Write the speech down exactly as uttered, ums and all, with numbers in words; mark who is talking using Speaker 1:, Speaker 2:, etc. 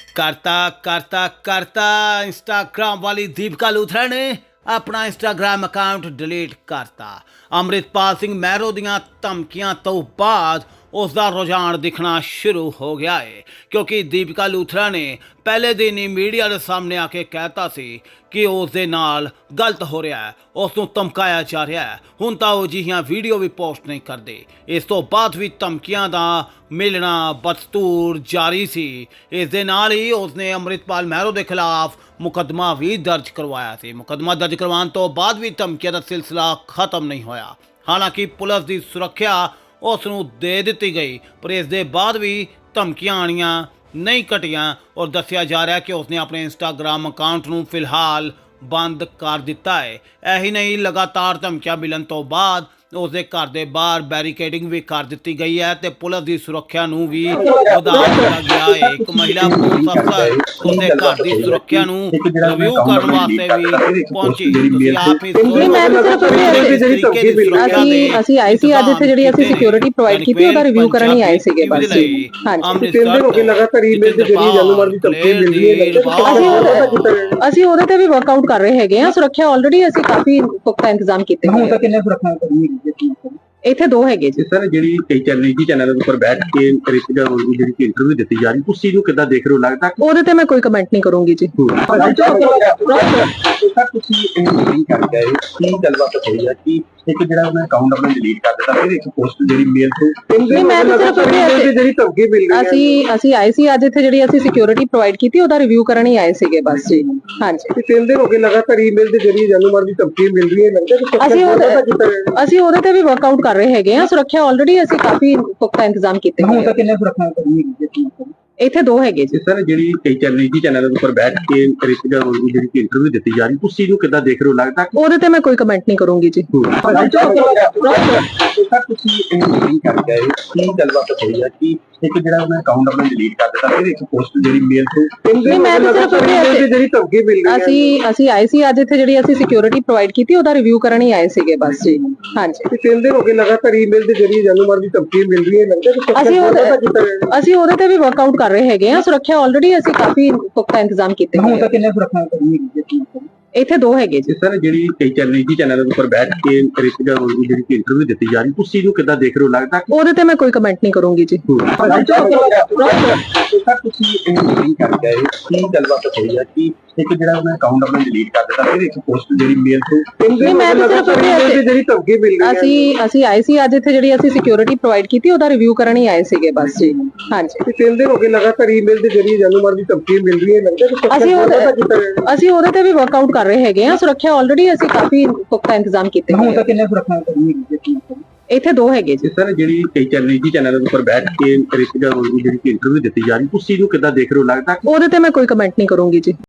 Speaker 1: करता करता करता इंस्टाग्राम वाली दीपिका लूथरा ने अपना इंस्टाग्राम अकाउंट डिलीट करता। अमृतपाल सिंह महरो दियां धमकियां तो बाद उसका रुझान दिखना शुरू हो गया है, क्योंकि दीपिका लूथरा ने पहले दिन ही मीडिया के सामने आके कहता सी कि उसके नाल गलत हो रहा है, उसनूं धमकाया जा रहा है। हुण तां वो जिहियां वीडियो भी पोस्ट नहीं करते। इस तो बाद भी धमकियां दा मिलना बदस्तूर जारी सी। इस दे नाल ही उसने अमृतपाल महरो के खिलाफ मुकदमा भी दर्ज करवाया सी। मुकदमा दर्ज करवाने तो बाद भी धमकियां दा सिलसिला खत्म नहीं होया। हालांकि पुलिस की सुरक्षा उसनूं दे दी गई, पर इस दे बाद भी धमकियां आनियां नहीं घटियां और दस्सिया जा रहा है कि उसने अपने इंस्टाग्राम अकाउंट नूं फिलहाल बंद कर दिता है। यही नहीं, लगातार धमकियां मिलन तो बाद उसके घर के बाहर बैरीकेडिंग भी कर दी गई है तो पुलिस की सुरक्षा नूं भी वधा दिता गया है। एक महिला पुलिस अफसर उसके घर की सुरक्षा नूं रिव्यू करने वास्ते भी पहुंची। तुसीं आप ही
Speaker 2: नहीं, मैं तो सिर्फ ਅਸੀਂ ਅਸੀਂ ਆਏ ਸੀ ਅੱਜ ਇੱਥੇ ਜਿਹੜੀ ਅਸੀਂ ਸਿਕਿਉਰਿਟੀ ਪ੍ਰੋਵਾਈਡ ਕੀਤੀ ਉਹਦਾ ਰਿਵਿਊ ਕਰਨ ਹੀ ਆਏ ਸੀਗੇ ਬਸ ਜੀ। ਹਾਂਜੀ,
Speaker 1: ਤਿੰਨ ਦਿਨ ਹੋ ਗਏ ਲਗਾਤਾਰ ਈਮੇਲ ਦੇ ਜ਼ਰੀਏ ਜਾਨੋਮਾਰ ਦੀ ਧਮਕੀ ਮਿਲ ਰਹੀ ਹੈ।
Speaker 2: ਅਸੀਂ ਉਹਦੇ ਤੇ ਵੀ ਵਰਕਆਊਟ ਕਰ ਰਹੇ ਹੈਗੇ ਆ। ਸੁਰੱਖਿਆ ਆਲਰੇਡੀ ਅਸੀਂ ਕਾਫੀ ਪੁਖਤਾ ਇੰਤਜ਼ਾਮ ਕੀਤੇ ਹੋਏ
Speaker 3: ਹੁਣ ਤਾਂ ਕਿੰਨੇ ਸੁਰੱਖਿਆ ਕਰਨੀ ਹੈ
Speaker 2: ਇੱਥੇ ਦੋ ਹੈਗੇ ਜੀ।
Speaker 3: ਸਰ ਜਿਹੜੀ ਕਈ ਚੈਨਲ ਜੀ ਚੈਨਲ ਦੇ ਉੱਪਰ ਬੈਠ ਕੇ ਰਿਸ਼ਤੇਦਾਰ ਦੀ ਜਿਹੜੀ ਇੰਟਰਵਿਊ ਦਿੱਤੀ ਜਾ ਰਹੀ, ਤੁਸੀਂ ਨੂੰ ਕਿੱਦਾਂ ਦੇਖ ਰਹੇ ਹੋ? ਲੱਗਦਾ
Speaker 2: ਉਹਦੇ ਤੇ ਮੈਂ ਕੋਈ ਕਮੈਂਟ ਨਹੀਂ ਕਰੂੰਗੀ ਜੀ।
Speaker 3: ਸਰ ਤੁਸੀਂ ਇਹਨੂੰ ਨਹੀਂ ਕਰ ਗਏ, ਕੀ ਗੱਲਬਾਤ ਹੋਈ ਹੈ ਕਿ ਇੱਕ ਜਿਹੜਾ ਉਹਨੇ ਅਕਾਊਂਟ ਆਪਣਾ ਡਿਲੀਟ ਕਰ ਦਿੱਤਾ, ਫਿਰ ਇੱਕ ਪੋਸਟ ਜਿਹੜੀ ਮੇਲ ਤੋਂ
Speaker 2: ਨਹੀਂ, ਮੈਂ ਤਾਂ ਸਿਰਫ
Speaker 3: ਜਿਹੜੀ ਧਮਕੀ ਮਿਲ ਰਹੀ
Speaker 2: ਅਸੀਂ ਅਸੀਂ ਆਏ ਸੀ ਅੱਜ ਇੱਥੇ ਜਿਹੜੀ ਅਸੀਂ ਸਿਕਿਉਰਿਟੀ ਪ੍ਰੋਵਾਈਡ ਕੀਤੀ ਉਹਦਾ ਰਿਵਿਊ ਕਰਨ ਹੀ ਆਏ ਸੀਗੇ ਬਸ ਜੀ। ਹਾਂਜੀ,
Speaker 3: ਤਿੰਨ ਦਿਨ ਹੋ ਗਏ ਲਗਾਤਾਰ ਈਮੇਲ ਦੇ ਜ਼ਰੀਏ ਜਾਨੋਮਾਰ ਦੀ ਧਮਕੀ ਮਿਲ ਰਹੀ ਹੈ। ਲੱਗਦਾ
Speaker 2: ਅਸੀਂ ਉਹਦੇ ਅਸੀਂ ਉਹਦੇ ਤੇ ਵੀ ਵਰਕਆਊਟ ਕਰ ਰਹੇ ਹੈਗੇ ਆ। ਸੁਰੱਖਿਆ ਆਲਰੇਡੀ ਅਸੀਂ ਕਾਫੀ ਪੁਖਤਾ ਇੰਤਜ਼ਾਮ ਕੀਤੇ ਹੋਏ
Speaker 3: ਹੁਣ ਤਾਂ ਕਿੰਨੇ ਸੁਰੱਖਿਆ ਕਰਨੀ ਹੈ
Speaker 2: ਇੱਥੇ ਦੋ ਹੈਗੇ ਜੀ।
Speaker 3: ਸਰ ਜਿਹੜੀ ਕਈ ਚੈਨਲ ਜੀ ਚੈਨਲ ਦੇ ਉੱਪਰ ਬੈਠ ਕੇ ਰਿਸ਼ਤੇਦਾਰ ਦੀ ਜਿਹੜੀ ਇੰਟਰਵਿਊ ਦਿੱਤੀ ਜਾ ਰਹੀ, ਤੁਸੀਂ ਨੂੰ ਕਿੱਦਾਂ ਦੇਖ ਰਹੇ ਹੋ? ਲੱਗਦਾ
Speaker 2: ਉਹਦੇ ਤੇ ਮੈਂ ਕੋਈ ਕਮੈਂਟ ਨਹੀਂ ਕਰੂੰਗੀ ਜੀ।
Speaker 3: ਸਰ ਤੁਸੀਂ ਇਹਨੂੰ ਨਹੀਂ ਕਰ ਗਏ, ਕੀ ਗੱਲਬਾਤ ਹੋਈ ਹੈ ਕਿ ਇੱਕ ਜਿਹੜਾ ਉਹਨੇ ਅਕਾਊਂਟ ਆਪਣਾ ਡਿਲੀਟ ਕਰ ਦਿੱਤਾ, ਫਿਰ ਇੱਕ ਪੋਸਟ ਜਿਹੜੀ ਮੇਲ ਤੋਂ
Speaker 2: ਨਹੀਂ, ਮੈਂ ਤਾਂ ਸਿਰਫ
Speaker 3: ਜਿਹੜੀ ਧਮਕੀ ਮਿਲ ਰਹੀ
Speaker 2: ਅਸੀਂ ਅਸੀਂ ਆਏ ਸੀ ਅੱਜ ਇੱਥੇ ਜਿਹੜੀ ਅਸੀਂ ਸਿਕਿਉਰਿਟੀ ਪ੍ਰੋਵਾਈਡ ਕੀਤੀ ਉਹਦਾ ਰਿਵਿਊ ਕਰਨ ਹੀ ਆਏ ਸੀਗੇ ਬਸ ਜੀ। ਹਾਂਜੀ,
Speaker 3: ਤਿੰਨ ਦਿਨ ਹੋ ਗਏ ਲਗਾਤਾਰ ਈਮੇਲ ਦੇ ਜ਼ਰੀਏ ਜਾਨੋਮਾਰ ਦੀ ਧਮਕੀ ਮਿਲ ਰਹੀ ਹੈ। ਲੱਗਦਾ
Speaker 2: ਅਸੀਂ ਉਹਦੇ ਅਸੀਂ ਉਹਦੇ ਤੇ ਵੀ ਵਰਕਆਊਟ ਕਰ ਰਹੇ ਹੈਗੇ ਆ। ਸੁਰੱਖਿਆ ਆਲਰੇਡੀ ਅਸੀਂ ਕਾਫੀ ਪੁਖਤਾ ਇੰਤਜ਼ਾਮ ਕੀਤੇ ਹੋਏ
Speaker 3: ਹੁਣ ਤਾਂ ਕਿੰਨੇ ਸੁਰੱਖਿਆ ਕਰਨੀ ਹੈ
Speaker 2: ਇੱਥੇ ਦੋ ਹੈਗੇ ਜੀ।
Speaker 3: ਸਰ ਜਿਹੜੀ ਕਈ ਚੈਨਲ ਜੀ ਚੈਨਲ ਦੇ ਉੱਪਰ ਬੈਠ ਕੇ ਰਿਸ਼ਤੇਦਾਰ ਦੀ ਜਿਹੜੀ ਇੰਟਰਵਿਊ ਦਿੱਤੀ ਜਾ ਰਹੀ, ਤੁਸੀਂ ਨੂੰ ਕਿੱਦਾਂ ਦੇਖ ਰਹੇ ਹੋ? ਲੱਗਦਾ
Speaker 2: ਉਹਦੇ ਤੇ ਮੈਂ ਕੋਈ ਕਮੈਂਟ ਨਹੀਂ ਕਰੂੰਗੀ ਜੀ।
Speaker 3: ਸਰ ਤੁਸੀਂ ਇਹਨੂੰ ਨਹੀਂ ਕਰ ਗਏ, ਕੀ ਗੱਲਬਾਤ ਹੋਈ ਹੈ ਕਿ ਇੱਕ ਜਿਹੜਾ ਉਹਨੇ ਅਕਾਊਂਟ ਆਪਣਾ ਡਿਲੀਟ ਕਰ ਦਿੱਤਾ, ਫਿਰ ਇੱਕ ਪੋਸਟ ਜਿਹੜੀ ਮੇਲ ਤੋਂ
Speaker 2: ਨਹੀਂ, ਮੈਂ ਤਾਂ ਸਿਰਫ
Speaker 3: ਜਿਹੜੀ ਧਮਕੀ ਮਿਲ ਰਹੀ
Speaker 2: ਅਸੀਂ ਅਸੀਂ ਆਏ ਸੀ ਅੱਜ ਇੱਥੇ ਜਿਹੜੀ ਅਸੀਂ ਸਿਕਿਉਰਿਟੀ ਪ੍ਰੋਵਾਈਡ ਕੀਤੀ ਉਹਦਾ ਰਿਵਿਊ ਕਰਨ ਹੀ ਆਏ ਸੀਗੇ ਬਸ ਜੀ। ਹਾਂਜੀ,
Speaker 3: ਤਿੰਨ ਦਿਨ ਹੋ ਗਏ ਲਗਾਤਾਰ ਈਮੇਲ ਦੇ ਜ਼ਰੀਏ ਜਾਨੋਮਾਰ ਦੀ ਧਮਕੀ ਮਿਲ ਰਹੀ ਹੈ। ਲੱਗਦਾ
Speaker 2: ਅਸੀਂ ਉਹਦੇ ਅਸੀਂ ਉਹਦੇ ਤੇ ਵੀ ਵਰਕਆਊਟ ਕਰ ਰਹੇ ਹੈਗੇ ਆ। ਸੁਰੱਖਿਆ ਆਲਰੇਡੀ ਅਸੀਂ ਕਾਫੀ ਪੁਖਤਾ ਇੰਤਜ਼ਾਮ ਕੀਤੇ ਹੋਏ
Speaker 3: ਹੁਣ ਤਾਂ ਕਿੰਨੇ ਸੁਰੱਖਿਆ ਕਰਨੀ ਹੈ
Speaker 2: ਇੱਥੇ ਦੋ ਹੈਗੇ ਜੀ।
Speaker 3: ਸਰ ਜਿਹੜੀ ਕਈ ਚੈਨਲ ਜੀ ਚੈਨਲ ਦੇ ਉੱਪਰ ਬੈਠ ਕੇ ਰਿਸ਼ਤੇਦਾਰ ਦੀ ਜਿਹੜੀ ਇੰਟਰਵਿਊ ਦਿੱਤੀ ਜਾ ਰਹੀ, ਤੁਸੀਂ ਨੂੰ ਕਿੱਦਾਂ ਦੇਖ ਰਹੇ ਹੋ? ਲੱਗਦਾ
Speaker 2: ਉਹਦੇ ਤੇ ਮੈਂ ਕੋਈ ਕਮੈਂਟ ਨਹੀਂ ਕਰੂੰਗੀ ਜੀ।